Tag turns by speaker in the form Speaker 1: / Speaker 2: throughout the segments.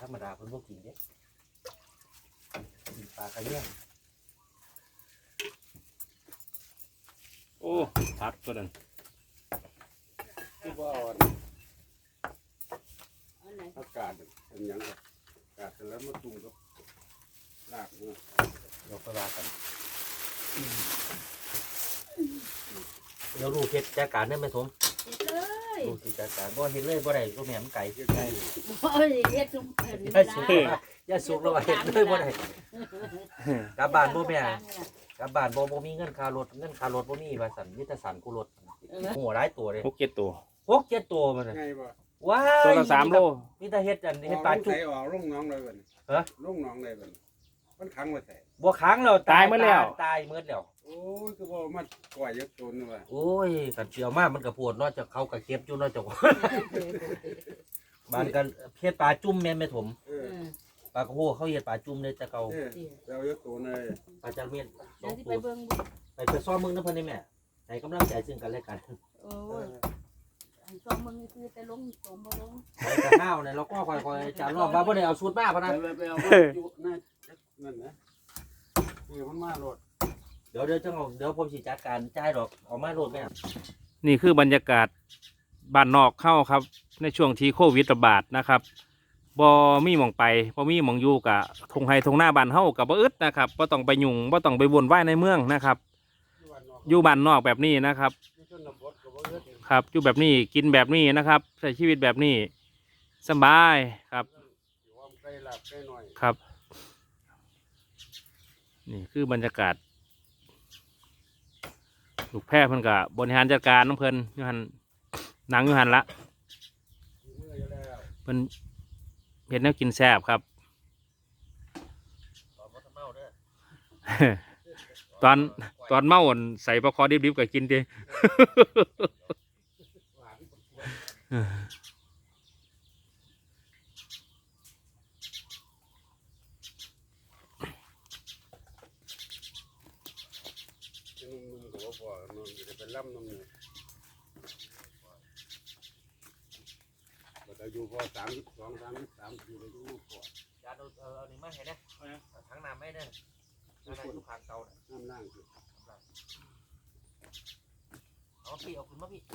Speaker 1: รมดาเพิ่นบ่กินเด้กินปลากระเยี่ยง
Speaker 2: โอ้พักตัวนั้น
Speaker 3: คือว่าอากาศเป็นยังไงอากาศแล้วมาตุ่มกับลากเนาะ
Speaker 1: เดี๋ยวไปว่ากันเดี๋ยวลูกเฮ็ดจัดการได้ไหมผมลูกสิจัดการบ่เฮ็ดเลยบ่ได้ก็แม่มันไก่
Speaker 3: ใกล้
Speaker 4: เฮ็ดซุ่ม
Speaker 1: อย่าสุกแล้วว่าเฮ็ดเลยบ่ได้กลับบ้านบ่แม่กลับบ้านบ่มีเงินค่ารถบ่มีว่าซั่นมีแต่สันกูรถหัวหลายตัวเลย
Speaker 2: 6-7 ตัว
Speaker 1: 6-7 ตัวมัน
Speaker 3: ไงบ่
Speaker 1: ว้า
Speaker 2: ตัวละ3 โล
Speaker 1: มีแต่เฮ็ดอันเฮ็ดปลาจุ๊บ
Speaker 3: ออกลงน้องเลยบัด
Speaker 1: ฮะ
Speaker 3: ลงน้องเลยบัดมันขังไว้แต่
Speaker 1: บ่ค้างแล้วตายหมดแล้ว
Speaker 3: โอ้ยคือบ่มาปล่อยยกตนนี่ว่า
Speaker 1: โอ้ยกันเชียวมากมันก็ปวดเนาะจะเขาก็เก็บอยู่เนาะเจ้าบ้านกันเฮ็ดปลาจุ่มแม่นแม่ถมปลากระโหเขาเฮ็ดปลาจุ่มเลยแต่เก่า
Speaker 3: เรายกตนเลย
Speaker 1: ปลาจาระเม็ด
Speaker 4: 2ตัว
Speaker 1: ไปซ้อมมึงนะเพิ่นนี่แม่ให้กำลังใจซึ่งกันและกัน
Speaker 4: โอ้ยซ้อมมึงคือแต่ลงสมบ่ลง
Speaker 1: ไปกับข้าวเนี่ยเราก็ค่อยๆจานรอบว่าบ่ได้เอาสูตรมาพะนะ
Speaker 3: ไปเอาอยู่นั่นนะคือมันมาโลด
Speaker 1: เดี๋ยวจังเดี๋ยวผมสิจัดการจ่ายดอกเอามาโลดแม่
Speaker 2: นี่คือบรรยากาศบ้านนอกเข้าครับในช่วงที่โควิดระบาดนะครับบ่มีหม่องไปบ่มีหม่องอยู่กะทงไห้ทงหน้าบ้านเฮากับบ่อึดนะครับบ่ต้องไปยุ่งบ่ต้องไปวนว่ายในเมืองนะครับอยู่บ้านนอกแบบนี้นะครับครับอยู่แบบนี้กินแบบนี้นะครับใช้ชีวิตแบบนี้สบายครับครับนี่คือบรรยากาศลูกแพร่เพิ่นกับบริหารจัดการน้องเพิ่นยูหันนางยูหันละเพิ่นเห็นแนวกินแซ่บครับตอนเมาใส่ปลาคอดิบๆก็กินดิ
Speaker 3: เราอยู่พอ32 33อยู่เลยอยู่พอย
Speaker 1: าเอานี่มาให้นะถังน้ำไม่ได้น้ำทุกครั้งเก่า
Speaker 3: น้ำล่างคือ
Speaker 1: เอาพี่เอาขึ้นมาพี่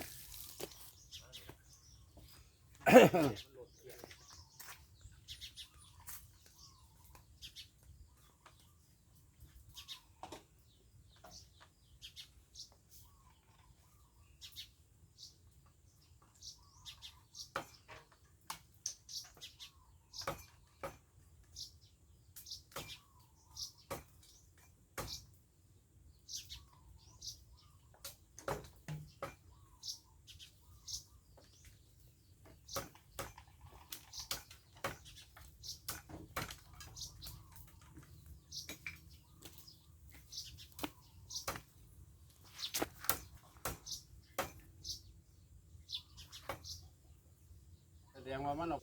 Speaker 3: แสดงว่ามันออก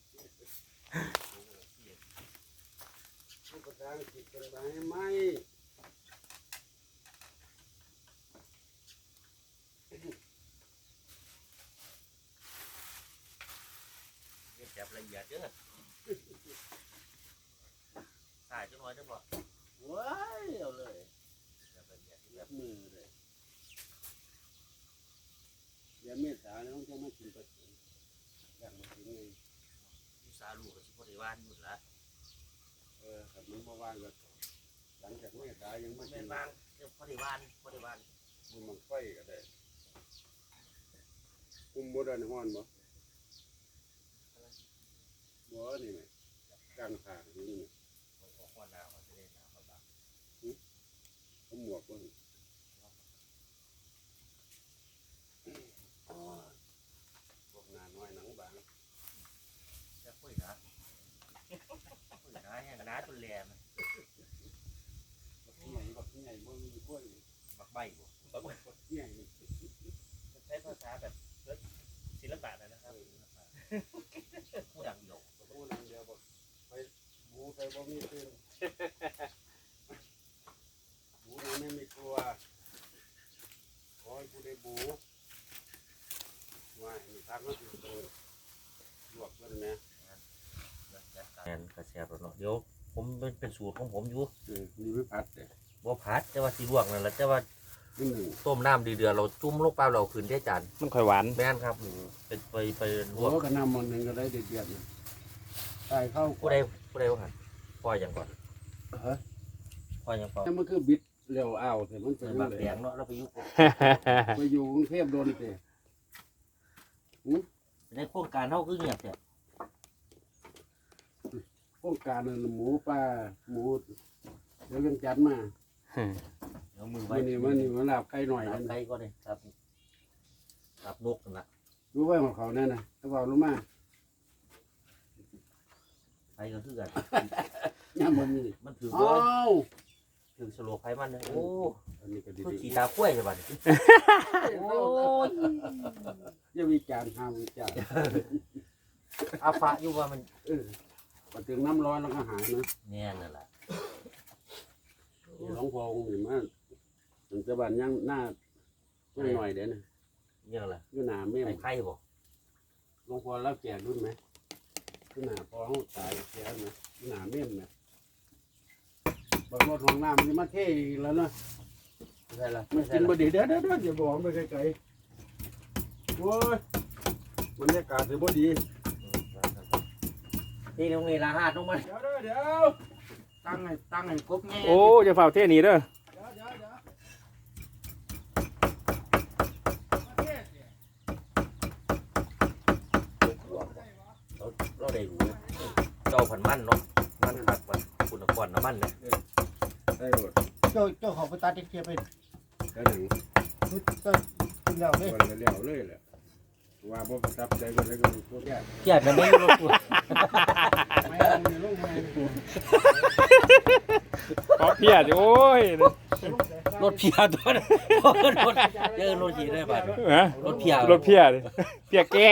Speaker 3: ภาษาอังกฤษเป็นไปไหม
Speaker 1: จับละเอียดเด้อสายจังหน่อยจังบ่
Speaker 3: ว้ายเอาเลย
Speaker 1: จับละเอียด
Speaker 3: แบบมือเลยเดี๋ยวเมษาเนี่ยต้องจะมากินปลาสิงอย่างมากินไง
Speaker 1: อยู่ซาลูกก็สิบ่ได้ว่านอยู่ละ
Speaker 3: ครับมันบ่ว่างก็หลังจากเมษายังไม่กิน
Speaker 1: ว่างบ่ได้ว่าน
Speaker 3: มันไฟก็ได้บ่ได้ฮ้อนบ่นี่ไหมกลางทางนี่ไหม
Speaker 1: ฮ้อนหนาวมันจะได้หนาวมาบ้าง
Speaker 3: เอาหมวกบ่พวกนาน้อยหนังบาง
Speaker 1: จะคุยนะแห้งน้าตุนแหลม
Speaker 3: บักใหญ่บ่มีกล้วย
Speaker 1: บักใบบ่
Speaker 3: บักใหญ่
Speaker 1: ใช้ภาษาแบบศิลปะนะครับผู้ดังเดียว
Speaker 3: ผู้นำเดียวบ่ไปบูไปบ่มีตื่นบูนั้นไม่กลัวขอให้ผู้ได้บูว่ามีทางก็คือลวกกันนะ
Speaker 1: จัดกแม่นกระแสบแล้วเนาะเดี๋ยวผมเป็นสูตรของผมอยู่
Speaker 3: นี่ไม่พัดเลย
Speaker 1: บ่ผัดแต่ว่าสิลวกนั่นแหละแต่ว่า
Speaker 3: นี่หนึ่ง
Speaker 1: ต้มน้ำดีเดือดเราจุ่มลงไปเราขึ้นได้จาน
Speaker 2: มันค่อยหวาน
Speaker 1: แม่นครับเป็นไปล
Speaker 3: โอ้
Speaker 1: วก
Speaker 3: ก็นำมันหนึ่งก็ได้เดือดๆนะตายเข้า
Speaker 1: ผู้ใดว่าหั่นปล่อยอย่างก่อน
Speaker 3: ฮะ
Speaker 1: ปล่อยอย่างก่อน
Speaker 3: แต่มันคือบิดเร็วอ้าวแต่มัน
Speaker 1: เป็
Speaker 3: เป็น น
Speaker 1: บาง
Speaker 3: เล
Speaker 1: แด
Speaker 3: ย
Speaker 1: งเนาะเราไปอยู่
Speaker 3: ไปอยู่กรุงเทพโดนเตะ
Speaker 1: ในโครงการเฮาคือเงียบแท้
Speaker 3: โครงการนั้นหมูปลาหมูเดี๋ยวยังจัดมา
Speaker 1: เอามือไว้
Speaker 3: วันนี้มันลาบไก่หน่อย
Speaker 1: ครั
Speaker 3: นั่
Speaker 1: บ
Speaker 3: น
Speaker 1: ไก่ก็ได้ครับครับนกนั่นล่ะ
Speaker 3: รู้ไว้ของเขาแน่นะถ้าบอกรู้มา
Speaker 1: ไผก็คือกัน
Speaker 3: ย่ามมันมี
Speaker 1: มันถือ
Speaker 3: อ้า
Speaker 1: บ่
Speaker 3: ว
Speaker 1: ถือสโลไผมันเนี่ยโอ้
Speaker 3: อันนี้ก็ดี
Speaker 1: คือขี้ตาคุ้ยใช่บัดนี้โอ้ย
Speaker 3: ๆอย่าวิจารณ์ห้ามวิจารณ์
Speaker 1: อาฟะอยู่ว่ามัน
Speaker 3: พอถึงน้ำร้อนแล้วก็หายนะ
Speaker 1: แน่นั่นล่ะ
Speaker 3: หลวงพ่อองค์นี่มันถึงจะบานยังหน้ายังหน่อยเดี๋ยวนะ
Speaker 1: เนี่ยล่ะ
Speaker 3: อยู่หน้าแม่
Speaker 1: ไอ้ไข่บ่
Speaker 3: หลวงพ่อรับแจกรุ่นไหมอยู่หน้าพ่อเขาตายแก่ไหมอยู่หน้าแม่ไหมบางรถห้องน้ำมันจะมาเท่อีกแล้วเนาะ
Speaker 1: ไม่ใช่ล่ะ
Speaker 3: มั
Speaker 1: ไม่
Speaker 3: น
Speaker 1: ใช่
Speaker 3: กิน
Speaker 1: ล่ะ
Speaker 3: บดีเด้ออย่าบอกไปไกลๆโอ้ยบรรยากาศถือบ่ดี
Speaker 1: ที่โรงเรียนละหาดลงมา
Speaker 3: เดี๋ยวตั้งให้ครบแง่
Speaker 2: โอ้จะเฝ้าเท่หนี้เด้อ
Speaker 3: เดี๋ยว
Speaker 1: เราได้รู้เจ้าผันมันเนาะมันขัดวันคุณก่อนน้ำมันเนี่ย
Speaker 3: ได้หมด
Speaker 5: เจ้าของไปตัดเทียบไป
Speaker 3: ได้หนึ่ง
Speaker 5: ก็กินแล้วเลย
Speaker 3: วันละเลี้ยวเลยแหละว่าบ่ประทับใจก็เลยก็พวกแก่
Speaker 1: แก่มันไม่รถตัว
Speaker 3: ไม่เอาในโรงงาน
Speaker 2: ขอเพียดโอ้ย
Speaker 1: รถเพียตัวนั้นรถเจอรถขี่ได้ป่ะ
Speaker 2: ฮะ
Speaker 1: รถเพีย
Speaker 2: รถเพียดิเพียแก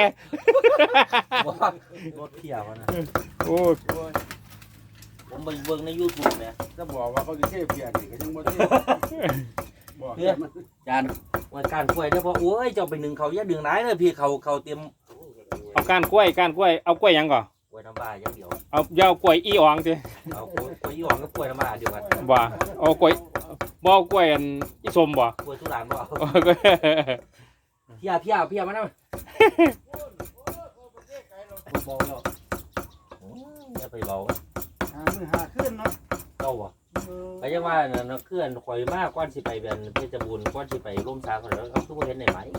Speaker 1: รถเพียวันนะ
Speaker 2: โอ้
Speaker 1: ผมไปเบิ่งใน YouTube เนี่ย
Speaker 3: ถ้าบอกว่าเขาจะเทเพียนี่ก็ยังบ่เทบอก
Speaker 1: เนี่ยจานวันการกล้วยเด้อพอโอ้ยเจ้าไปหนึ่งเขาอย่าดึงร้ายเลยพี่เขาเตรียม
Speaker 2: เอาก้านกล้วยเอากล้วยหยังก่อน
Speaker 1: กล้วยน้ำบ้าอย่างเดียว
Speaker 2: เอาอย่าเอากล้วยอีอ่องสิ
Speaker 1: เอากล้วยยี่ห้อกับกล้วยน้ำบ้าเดียวกัน
Speaker 2: บ่เอากล้วยบ่เอากล้วยอันอีส้มบ่
Speaker 1: กล้วยทุรานบ่เอา
Speaker 2: เอากล้วย
Speaker 1: เพียมาแล้วบอกแล้วอย่าไปเบา
Speaker 5: หาขึ้นเนาะ
Speaker 1: เจ้าบ่ก็ยังว่าน่ะเคลื่อนข่อยมากกว่าสิไปเป็นเพชรบูรณ์กว่าสิไปร่มสาเขาแล้วเขาคือบ่เห็นได้ไหม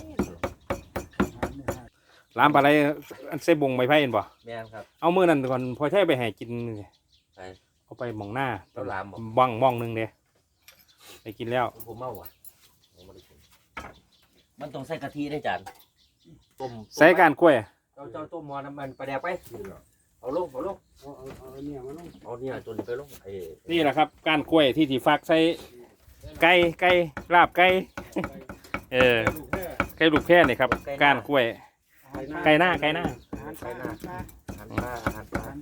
Speaker 2: ลามปลาไหลอันเสบงไม้ไผ่เห็นบ่
Speaker 1: แม่นครับ
Speaker 2: เอามื้อนั้นก่อนพอใช้ไปให้กินนี่
Speaker 1: ไป
Speaker 2: เอาไปหม่องหน้า
Speaker 1: เอาลามบ่
Speaker 2: บ้องหนึงเด้ไปกินแล้ว
Speaker 1: ผมเมาว่ะผมบ่ได้กินมันต้องใส่กะทิได้จานต้ม
Speaker 2: ใส่ก้านกล้วย
Speaker 1: เจ้าต้มหม้อน้ำมันปลาแดกไปเอาลง
Speaker 3: เอาเนี่ยมาลง
Speaker 1: เอาเนี่ยจนไปลงไอ้
Speaker 2: นี่แหละครับก้านกล้วยที่ฝากใส่ไก่ลาบไก่เออ
Speaker 3: ลูกแค่
Speaker 2: ไก่ลูกแพร่นี่ครับก้านกล้วย ไก่หน้า
Speaker 1: อาหารปลาอาหารปลา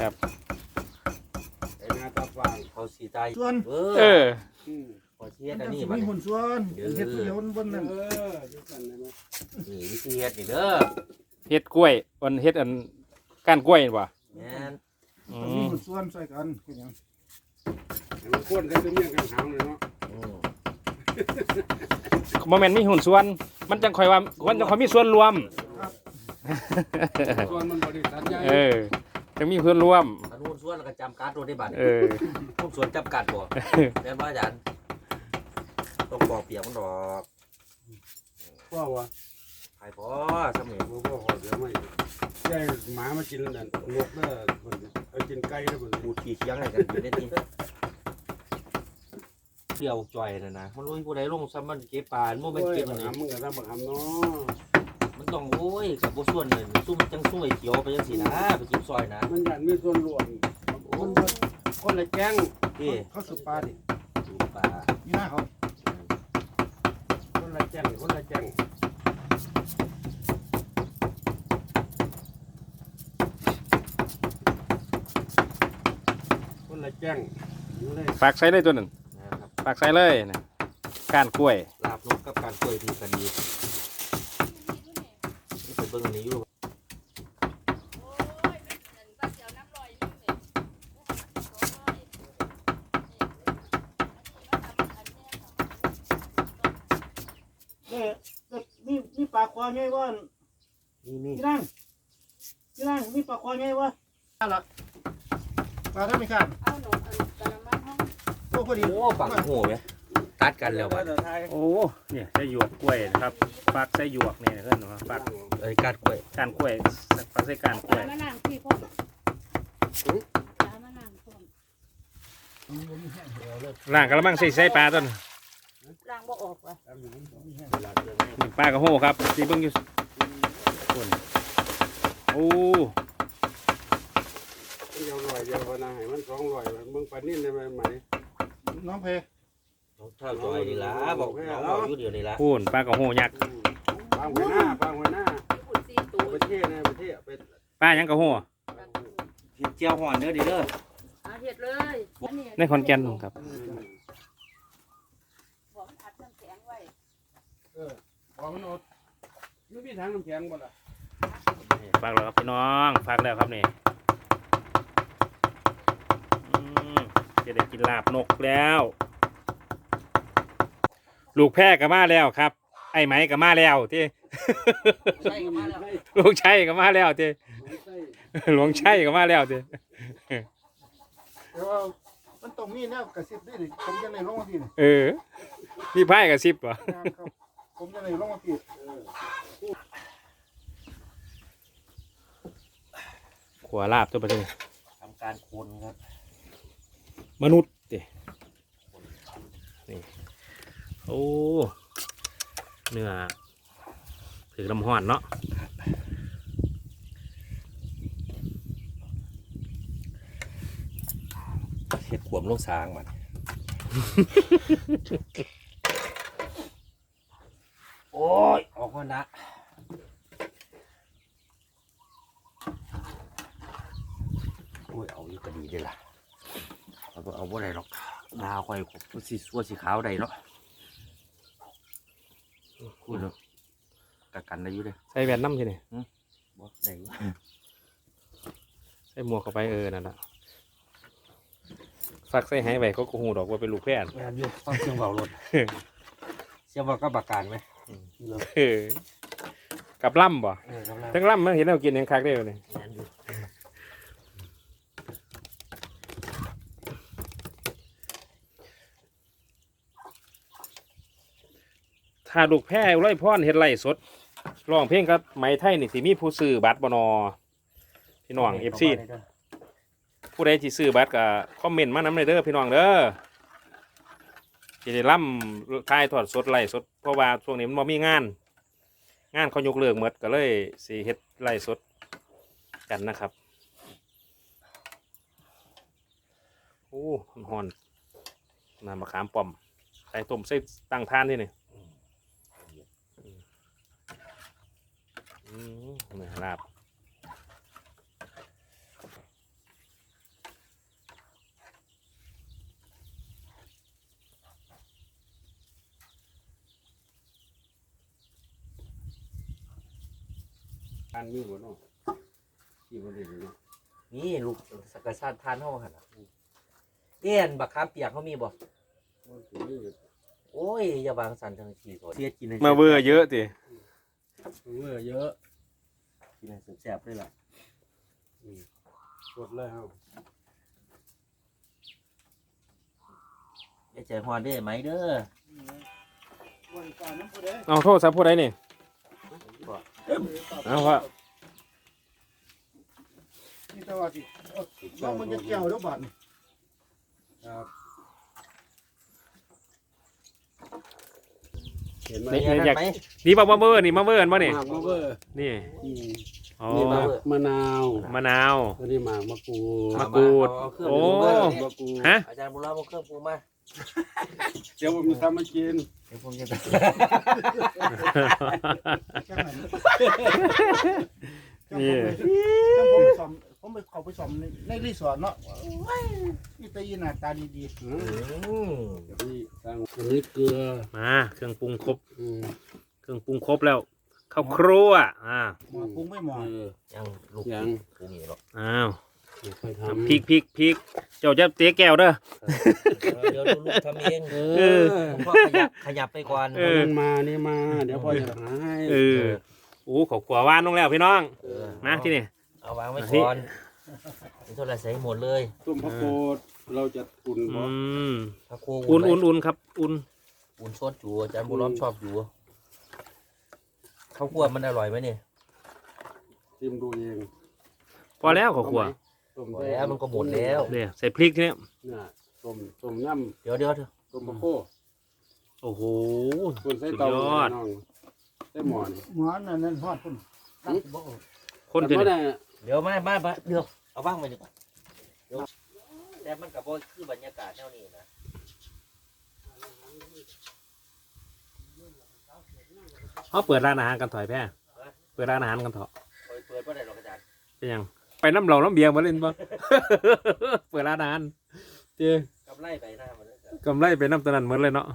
Speaker 3: ไอ้นาตาฟาง
Speaker 1: เขาสีใจ
Speaker 5: ส่วน
Speaker 2: เออ
Speaker 1: ขอเชีย
Speaker 5: มั
Speaker 1: ด
Speaker 5: น
Speaker 1: อัน
Speaker 5: จะ
Speaker 1: นี้
Speaker 5: สิ
Speaker 1: มัน
Speaker 5: มีหุ่นส่วนเฮ็ดเดียวบนนั้น
Speaker 3: ดูกันได้ไหม
Speaker 1: นี่วิธีเฮ็ดนี่เด้อ
Speaker 2: เฮ็ดกล้วยอันเฮ็ดอันก้านกล้วยนี่บ่
Speaker 1: แม่น
Speaker 2: อื
Speaker 5: ต้องมี
Speaker 2: ม
Speaker 5: หุ่นส่วนใส่กันคือหยัง
Speaker 3: มันข้นกันตัวเมียกันหางเลยเนาะ
Speaker 1: อืม
Speaker 2: บ่แม่นมีหุ้นส่วน มันจังค่อยว่ามันจังค่อยมีส่วนรวม
Speaker 3: ส่วนมันบริษัทใหญ่
Speaker 2: เออจังมีส่วนรวม
Speaker 1: อันนู้นส่วนแล้วก็จำการ์ดโดได้บัตร
Speaker 2: เออ
Speaker 1: ผมส่วนจำกัดบ่แม่นว่าอาจารย์ต้องปอกเปียกมันดอก
Speaker 3: พ่อวะ
Speaker 1: ไผพอสำเร็จ
Speaker 3: พ่อขอเดี๋ยวไม่ใช่หมามากินนั่นนกเด้อเอากินไก่เด้อมัน
Speaker 1: พูดขี้เคียงให้กันอยู่ในนี้เดี่ยวจ่อยน่ะนะมันรู้ผู้ใดลงซ้ำมันเก็บปลามันบ่
Speaker 3: โอ้
Speaker 1: แม่น
Speaker 3: ย
Speaker 1: เก็บ
Speaker 3: บั
Speaker 1: อั
Speaker 3: ก
Speaker 1: นนี้
Speaker 3: หำมึงก็ทำบักหำเนาะ
Speaker 1: มันต้องโอ้ยกับบ่ส่วนเลยซุ่มจังซุ่มไอ้เขียวไปจังซี่นะไปกินซอยนะ
Speaker 3: มันอยากมีส่วนรวมคนละแจ้ง
Speaker 1: พี่
Speaker 5: เขาสุปลาดิ
Speaker 1: ดูปลา
Speaker 5: อยู่หน้าเขา
Speaker 3: คนละแจ้งคนละแจ้งคนละแจ้งอยู่เลย
Speaker 2: ฝากใส่เลยตัวหนึง
Speaker 1: นะครับ
Speaker 2: ฝากใส่เลยนะก้านกล้วย
Speaker 1: ลาบนกกับการกล้วยที่กันดีนี่เป็นเบิ่งอันนี้อยู่
Speaker 5: มีปลาคอไงวะ
Speaker 1: นี่
Speaker 5: พี่นั่งมีปลาคอไงวะนั่นล่ะปลาธรรมชาติ
Speaker 4: เอาหนูอันกระมังห้อง
Speaker 5: โอ้พอดี
Speaker 1: โอ้ปักโหไหมตัดกันแล้วบัด
Speaker 2: โอ้เนี่ยใส่หยวกกล้วยนะครับฟักใส่หยวกเนี่ยเพื่อนว่าฟัก
Speaker 1: กัดกล้วย
Speaker 2: การกล้วยฟักใส่การกล้วย
Speaker 4: มะนาวพี่พ่อมะนาวพ่อ
Speaker 2: ล่างกระมังใส่ปลาต้น
Speaker 4: ล้างบ่ออกว่ะ
Speaker 2: นี่ปลากระโหครับสีเบิ้งอยู่คนโอ้
Speaker 3: เดียวลอยเดียวพนาให้มัน200มึงปานนี้ได้ไหม
Speaker 5: น้องเพ
Speaker 1: น้องเท่าจอยนี่ล่ะบอกน้องบอกอยู่เดียวนี่ล่ะ
Speaker 2: พูนปลากระโหยักษ์
Speaker 3: ปางหัวหน้า
Speaker 4: ขุด4ตัว
Speaker 3: ประเทศไป
Speaker 2: ปลาหยังกระโห
Speaker 1: เฮ็ดเจียวห่อนเด้อดิเด้อ
Speaker 4: เอาเฮ็ดเลย
Speaker 2: ในขอนแก่นครับ
Speaker 4: บอกมันอัดน้ำแข็งไว้
Speaker 3: บอกมันอดไม่มีทางน้ำแข็งบ่ล่ะ
Speaker 2: ฝากแล้วครับพี่น้องฝากแล้วครับนี่จะได้กินลาบนกแล้ว ลูกแพร่ก็มาแล้วครับ ไอ้ไหมก็มาแล้วที่
Speaker 1: ใช่ก็มาแล้ว
Speaker 2: ลูกชัยก็มาแล้วที่หลวงชัยก็มาแล้วที่
Speaker 5: แต่ว่ามันต้องมีแนวกระซิบด้วยนี่ผมจะในลงมาพี่นี่
Speaker 2: พี่ไพ่กับซิบวะ
Speaker 5: ครับผมจะในลงมาพี่
Speaker 2: ขวาลาบตัวประเทศ
Speaker 1: ทำการคนครับ
Speaker 2: มนุษย์ดินี่โอ้เนื้อถือลำห้อนเนาะ
Speaker 1: เฮ็ดขวมลงสางมันโอ้ยออกมานะโอ้ยเอาอยู่ก็ดีเด้อล่ะเอาบ่ได้หรอกดาวค่อยมันสิสัวสีขาวได้เนาะพูดเนาะกันได้อยู่เด้อ
Speaker 2: ใส่แว่นน้ำใช่ไหม
Speaker 1: บ่ได้อยู่
Speaker 2: ใส่หมวกเข้าไปนั่นแหละฟักใส่หายไปก็กูหูดอกว่าเป็นลูกแพร่น
Speaker 1: แม่นอยู่ฟังเสียงเบารถเสียงเบาก็บักการไหม
Speaker 2: กับล่ำบ่
Speaker 1: กำลัง
Speaker 2: ทั้งล่ำมันเห็นเรากินยังคักได้เลย
Speaker 1: แม่นอยู่
Speaker 2: ถ้าลูกแพร่ไร่พ่อนเฮ็ดไร่สดร้องเพลงกับไหมไทยนี่สิมีผู้ซื้อบัตรบ่นอพี่น้องเอฟซีผู้ใดที่ซื้อบัตรก็คอมเมนต์มานำเลยเด้อพี่น้องเด้อสิได้ล่ำทายทอดสดไร่สดเพราะว่าช่วงนี้มันบ่มีงานเขายกเลิกหมดก็เลยสิเฮ็ดไร่สดกันนะครับโอ้หอนน้ำมะขามป้อมใส่ต้มใส่ตั้งทานนี่นี่นี่ลาบ
Speaker 3: การมีบ่เนาะที่บ่ได้เนาะ
Speaker 1: นี่ลูกสักกะชาติทานห้องหันเตี้ยนบักคามเปียกเขามีบ่โอ้ยอย่าวางสันทางทีก่อนเสียกินให้
Speaker 2: มาเบอร์เยอะสิ
Speaker 3: เยอะ
Speaker 1: กินให้แซ่บๆเลยล่ะ
Speaker 3: สดเลยครับ
Speaker 1: อย่าใจฮอนเด้อไหมเด้อ
Speaker 5: วันก่อนน้ำผู้ใด
Speaker 2: เอาโทษสับผู้ใดนี่เอาว่า
Speaker 5: นี่แต่ว่าสิน้องมันจะเกี่ยวแล้วบาดนี่
Speaker 3: ครับ เห็นไหม
Speaker 2: นี่
Speaker 1: นี่
Speaker 2: อยาก
Speaker 1: ไหม
Speaker 2: นี่มาเบอร์นี่มาเบอร์ป่ะนี่
Speaker 3: หมากมะเบอร์
Speaker 2: นี่อ๋อ
Speaker 1: นี่
Speaker 3: หมากมะนาว
Speaker 2: มะนาว
Speaker 3: ตัวนี้หมากมะกรูด
Speaker 2: มะกรูด
Speaker 1: เอาเครื่อง
Speaker 2: โอ้
Speaker 1: ปรุงมา
Speaker 3: มะกรูด
Speaker 2: ฮะ
Speaker 1: อาจารย์บุญรอดเอาเครื่องปรุงมา
Speaker 3: เดี๋ยวผมจะทำมากิน
Speaker 1: เดี๋ยวผมจะ
Speaker 5: แค่นั้น
Speaker 2: นี่
Speaker 5: ผมไปเขาไปสอมในรีสอร์ทเนาะนี่ตะยีหน้าตาดี
Speaker 3: นี่ตั้งอันนี้เกลือ
Speaker 2: มาเครื่องปรุงครบ
Speaker 3: อืม
Speaker 2: เครื่องปรุงครบแล้วข้าวครัว
Speaker 5: ๆหมอปรุงไม่หมอ
Speaker 3: เออ
Speaker 1: ยังลูก
Speaker 3: ยัง
Speaker 1: ปรุงอีกหรอก
Speaker 2: อ้าว
Speaker 3: ค่อยทำ
Speaker 2: พริกเจ้าจะเตะแก้วเด้อ
Speaker 1: เดี๋ยวลูกทำเอง
Speaker 2: เออ
Speaker 1: ผมก็ขยับไปก่อน
Speaker 2: เออ
Speaker 3: มันมานี่มา เดี๋ยวพ่อจะหาให้
Speaker 2: เออโอ้เขาขวาว่านลงแล้วพี่น้อง
Speaker 1: เออ
Speaker 2: นะที่นี่
Speaker 1: เอาวางไว้ก่อนนี่เท่าไรใส่หมดเลย
Speaker 3: ต้มผักโกดเราจะอุ่นบ่
Speaker 1: พระครู
Speaker 2: อุ่นครับอุ่น
Speaker 1: อุ่นซดอยู่อาจารย์บุญล้อมชอบอยู่ข้าวคั่วมันอร่อยไหมเนี่ย
Speaker 3: ชิมดูเอง
Speaker 2: พอแล้วเขาขวา
Speaker 3: ต้ม
Speaker 1: พอแล้วมันก็หมดแล้ว
Speaker 2: เนี่ยใส่พริกที่นี่
Speaker 3: เนี่ยต้มน้
Speaker 1: เดี๋ยว
Speaker 3: ำต้มผักโก
Speaker 2: โอ้โห
Speaker 3: ส่วนใส่
Speaker 2: สุด
Speaker 3: เตาย
Speaker 2: อด
Speaker 3: น้องใส่หม้อนี่
Speaker 5: หมอนนั่นฮอดพุ่นตั้งบ่
Speaker 2: คนที่
Speaker 3: แต่
Speaker 2: นี่
Speaker 3: ว่าเนี่ย
Speaker 1: เดี๋ยวมาเดี๋ยวเอาว่างไปดีกว่าเดี๋ยวแต่มันกับว่าคือบรรยากาศแนวนี้นะ
Speaker 2: เขาเปิดร้านอาหารกันถอยแพ่เปิดร้านอาหารกันเถอะ
Speaker 1: เปิดว่าได้หรอกอาจารย์
Speaker 2: เป็นยังไปน้ำเหล่าน้ำเบียร์มาเล่นปะ เปิดร้านอาหารเจ๊
Speaker 1: กำไรไปหน้ามันเลย
Speaker 2: กำไรไปน้ำตะนันเหมือนเลยเนาะ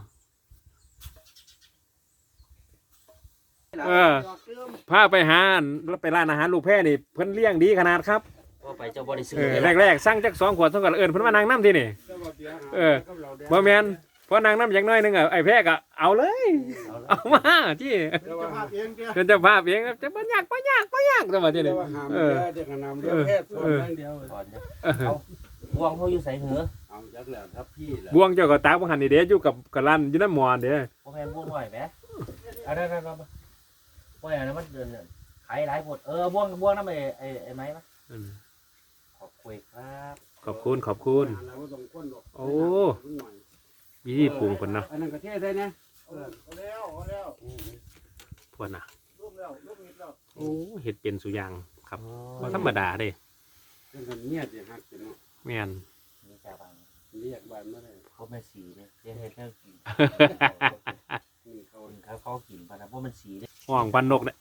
Speaker 2: พาไปหาแล้วไปร้านอาหารลูกแพร่นี่เพิ่นเลี้ยงดีขนาดครับ
Speaker 1: ว่าไปเจ้าบริสุท
Speaker 2: เอ
Speaker 1: ธิ์
Speaker 2: อ
Speaker 1: เลย
Speaker 2: แรกๆสั่งจัก2 ขวดเท่ากับเอิญเพิ่นมานั่งน้ำที่นี่ เออ บ่แมนพอนั่งน้ำอย่างน้อยหนึงอ่ะไอ้แพร่ก็เอาเลย เอามาที่
Speaker 5: เจ้าภาพเองเด้อ
Speaker 2: เพิ่นจะภาพเองจะบ่ยากจังว่าที่
Speaker 3: เดี๋
Speaker 2: นี่
Speaker 3: ยวว่าหาม
Speaker 2: เออ
Speaker 3: เยอะเดี๋ยวก็นำเดี๋ยวแค่ส่วนอย่างเดียว
Speaker 1: ก่อนเนี่ยเอาบวงเขาอยู่ใส่เหงือ
Speaker 3: เอาจักแล้วครับพี่แหละ
Speaker 2: บวงเจ้าก็ตากบ่หันนี่เด้อยู่กับร้านอยู่น้ำหมอนเด้
Speaker 1: พวกแมนบวงหน่อยไหมเอาได้ว่าอย่างนั้นมันเดินขายหลายหมดบวงนั่นไอ้ไม้ไหมขอบคุยครับ
Speaker 2: ขอบคุณ
Speaker 3: เราก็ต้องก้นหรอก
Speaker 2: โอ้
Speaker 3: หน่อย
Speaker 2: มีที่ปรุงเพิ่นเนาะ
Speaker 3: อันนั้นก็เทศได้นะ
Speaker 5: เอาแล้ว
Speaker 2: พวกน่ะ
Speaker 5: รูปแล้วรูปนิดแล้ว
Speaker 2: โอ้เฮ็ดเป็นสุอย่างครับบ่ธรรมดาเด้
Speaker 3: เป็นคนเงียบอย่างฮักเนาะ
Speaker 2: แม่น
Speaker 1: นี่จ่าบัง
Speaker 3: เรียกบ้านไม่ได้
Speaker 1: พวกแม่สีเนี่ยเรียกให้แค่กิน
Speaker 3: นี่เขา
Speaker 1: คนเขากินปะนะพวกมันสีเนี่ย
Speaker 2: ห้องปันนกเนี่ย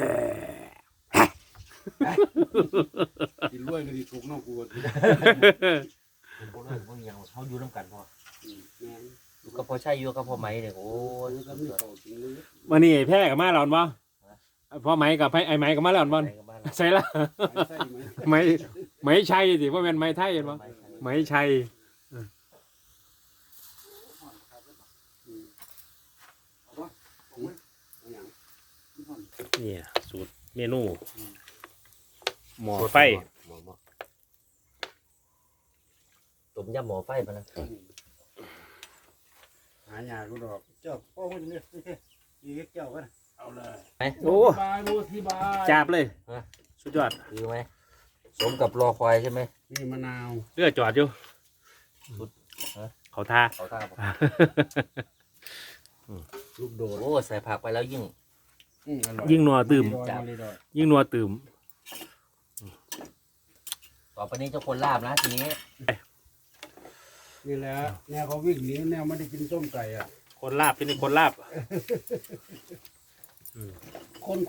Speaker 3: กินรวยก็ดีถูกน้องกูก็ดี
Speaker 1: พวกเรื่องพวกอย่างเขาอยู่น้ำกันพอ
Speaker 3: แม่ง
Speaker 1: อยู่กับพ่อชัยอยู่กับพ่อไหมเนี่ยโอ้ย
Speaker 3: ก็มีเขาจริงเลย
Speaker 2: วันนี้ไอ้แพ้กับมาแล้วบ่พ่อไหมกับไอ้ไหมกับมาแล้วบ่
Speaker 1: ไหนกับบ้านเรา
Speaker 2: ใช่ละ
Speaker 3: ใส่ไหม
Speaker 2: ไหมชัยสิบ่แม่นไหมไทยเห็นบ่ไหมชัยนี่สูตรเมนูหม้อไฟ
Speaker 1: ต้มยำหม้อไฟปะนะ
Speaker 3: หายากูดอก
Speaker 5: เจ้าพ่อมันนี่อีกเจ้ากัน
Speaker 3: เอาเลย
Speaker 2: โอ้
Speaker 3: บายรู้ที่บาย
Speaker 2: จับเลยสุดยอด
Speaker 1: คือไหมสมกับรอคอยใช่ไหม
Speaker 3: นี่มะนาว
Speaker 2: เรือจอดอยู่เขาท่า
Speaker 1: เขาท่าบอก
Speaker 3: ลูกโดด
Speaker 1: โอ้ใส่ผักไปแล้วยิ่ง
Speaker 3: อร่อย
Speaker 2: ยิ่งนัวตื่ม
Speaker 3: จับเลยดอย
Speaker 2: ยิ่งนัวตื่ม
Speaker 1: ต่อไปนี้เจ้าคนลาบนะทีนี้
Speaker 3: นี่แหละแนวเขาวิ่งหนีแนวไม่ได้กินส้มไก่อ่ะ
Speaker 2: คนลาบที่นี่คนลาบ
Speaker 3: คน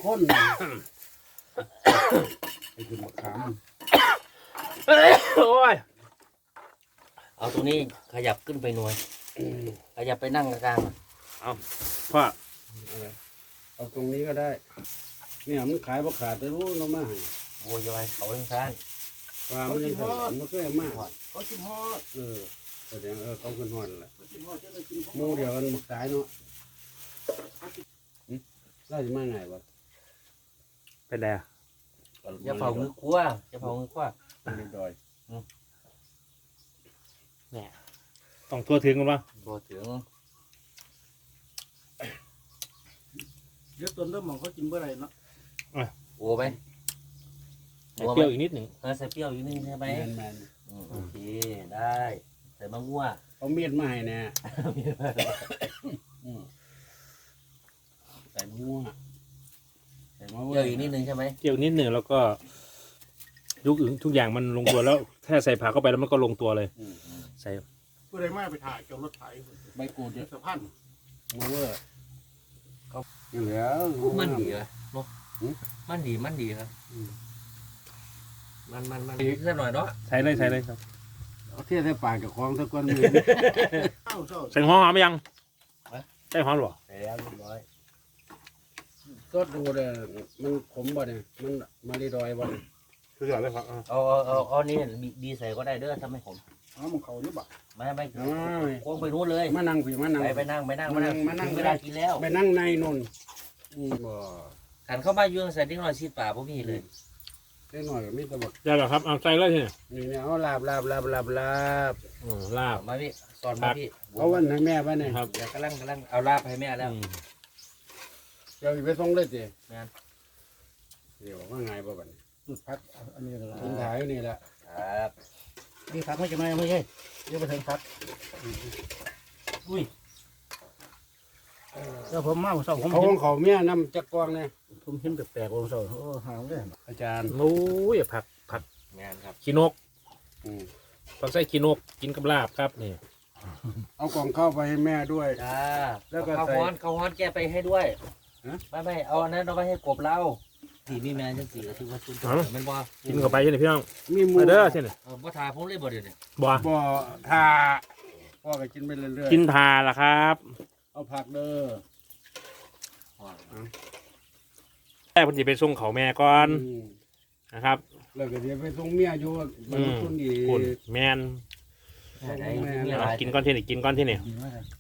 Speaker 3: ไอ้คือมะขาม
Speaker 2: โอ้ย
Speaker 1: เอาตรงนี้ขยับขึ้นไปหน่วยขยับไปนั่งกลาง
Speaker 2: พ่อ
Speaker 3: เอาตรงนี้ก็ได้ เนี่ยมันขายบ่ขาดแต่รู้เนาะมาให้
Speaker 1: ๆโวยยเขาทั้งท่าน
Speaker 3: ว่ามันยังขายมันก็ยังมาก
Speaker 5: เขากินฮอด
Speaker 3: แสดงเขาขึ้นฮอดแหละ
Speaker 5: เขากินฮอดจะได้กิน
Speaker 3: หมูเดียวกันหมึกตายเนาะไล่จะมาไงวะ
Speaker 2: เป็นไรอะ
Speaker 1: จะเผามือครัวจะเผามือครัว
Speaker 3: เรียบร้อย
Speaker 2: ต้องทั่วถึงกันวะ
Speaker 1: ตัวถึง
Speaker 5: เดี๋ยวต้นเริ่มมองเขากินเมื่อไรเนาะ
Speaker 1: โอ้ไหม
Speaker 2: ใส่เปรี้ยวอีกนิดหนึ่ง
Speaker 1: ใส่เปรี้ยวอยู่นึงใช่ไหม
Speaker 3: แมน
Speaker 1: โอเคได้ใส่มะม่วง
Speaker 3: เอาเมียดมาให้แน่ใส่มั่วใส่มะ
Speaker 1: เปรี้ยวอีกนิดนึงใช่ไหม
Speaker 2: เปรี้ยวนิดหนึ่งแล้วก็ทุกอย่างมันลงตัวแล้วถ้าใส่ผักเข้าไปแล้วมันก็ลงตัวเลย ใส่
Speaker 5: เมื่อไรมาไปถ่ายเกี่ยวรถไถ
Speaker 3: ใบกูดเนี่ย
Speaker 5: สะพาน
Speaker 3: มาเวอร์เขาเหลือ
Speaker 1: มันดีเหรอเนาะมันดีครับมันดีสักหน่อยเนาะ
Speaker 2: ใส่เลยครับ
Speaker 3: เอาเทียบใส่ปากกับของสักก้อนหนึ่ง
Speaker 5: เอ้าเจ้า
Speaker 2: ใส่หอมไหมยังใส่หอมหรอ
Speaker 1: ใส่แล้วเรียบร้อย
Speaker 3: ก็ดูเลยมันขมบ่เนี่ยมันมารีดอยบ่เนี่ย
Speaker 2: สุดยอดเลยครับ
Speaker 1: เอานี่บีใส่ก็ได้เด้อทำให้ผม
Speaker 5: เอามันเขาอยู่บ่
Speaker 1: ไม่โค้งไปนู้นเลย
Speaker 3: มานั่งพี่มานั่ง
Speaker 1: ไปนั่ง
Speaker 3: มานั่ง
Speaker 1: ถึเวลากินแล้ว
Speaker 3: ไปนั่งในนนบ่
Speaker 1: ขันเข้ามายุ่งใส่ดิ้งหน่อยชีดป่าบ่มีเลย
Speaker 3: ได้หน่อยมีแตะบัก
Speaker 2: ได้แล้วครับเอาใส่เลยทีนี้
Speaker 3: นี่เนี่ยเอาลาบ
Speaker 2: ลาบ
Speaker 1: มาพี่สอนมาพี่
Speaker 3: เอาวันให้แม่บ้านนี่
Speaker 2: ครับ
Speaker 1: เดี๋ยวกำลังเอาลาบให้แม่แล้ว
Speaker 3: เดี๋ยวไปส่งเลยสิ
Speaker 1: แม่น
Speaker 3: เดี๋ยวว่าไงบ่บัดนี้
Speaker 5: จุดพักอันนี้ก็
Speaker 3: กินถ่ายอยู่นี่แหละ
Speaker 1: ครับ
Speaker 5: นี่พักไม่จะไม่ใช่เดี๋ยวไปถึงพัก
Speaker 1: อุ้ย
Speaker 5: แล้วผมมาเศร้าผม
Speaker 3: เขา
Speaker 5: เห็
Speaker 3: ข
Speaker 5: น
Speaker 3: องเขาเมียนำจักกวางเนี่ย
Speaker 5: ผมเห็นแปลกๆผมเศร้าโอ้หางเลย
Speaker 3: อาจารย์
Speaker 2: โอ้ยผัก
Speaker 1: แม่นครับ
Speaker 2: ขี้นก
Speaker 3: อืม
Speaker 2: ผักใส่ขี้นกกินกับลาบครับนี่
Speaker 3: เอากล่องเข้าวไปให้แม่ด้วย
Speaker 1: จ้า
Speaker 3: แล้วก็
Speaker 1: ข้าว
Speaker 3: ใส่
Speaker 1: ฮ้อนแกไปให้ด้วย
Speaker 3: ฮะ
Speaker 1: ไม่เอาอันนั้นเอาไปให้กบเราที่มีแม่จังสี่ก็ถือว่าสุดยอดมันบ่
Speaker 2: กินเข้าไปใช่ไหมพี่น้อง
Speaker 3: มีหมู
Speaker 2: มาเด้อใช่ไหม
Speaker 1: บ่ทาผมเลยบ่เดี๋ยวนี้
Speaker 2: บ่
Speaker 3: บ่ทาพ่อก็กินไปเรื่อย
Speaker 2: กินทาล่ะครับ
Speaker 3: ๆเอาผักเด้อ
Speaker 2: แม่เพิ่นสิไปส่งเขาแม่ก่อน
Speaker 3: ม
Speaker 2: นะครับ
Speaker 3: แล้วก็เดี๋ยวไปส่งเมียอยู่บรรทุนอี
Speaker 2: คุณ
Speaker 3: ก
Speaker 2: แม่น
Speaker 1: ไหนมีอะไร
Speaker 2: กินก้อนที่นี่กินก้อนที่นี่
Speaker 5: ดีมาก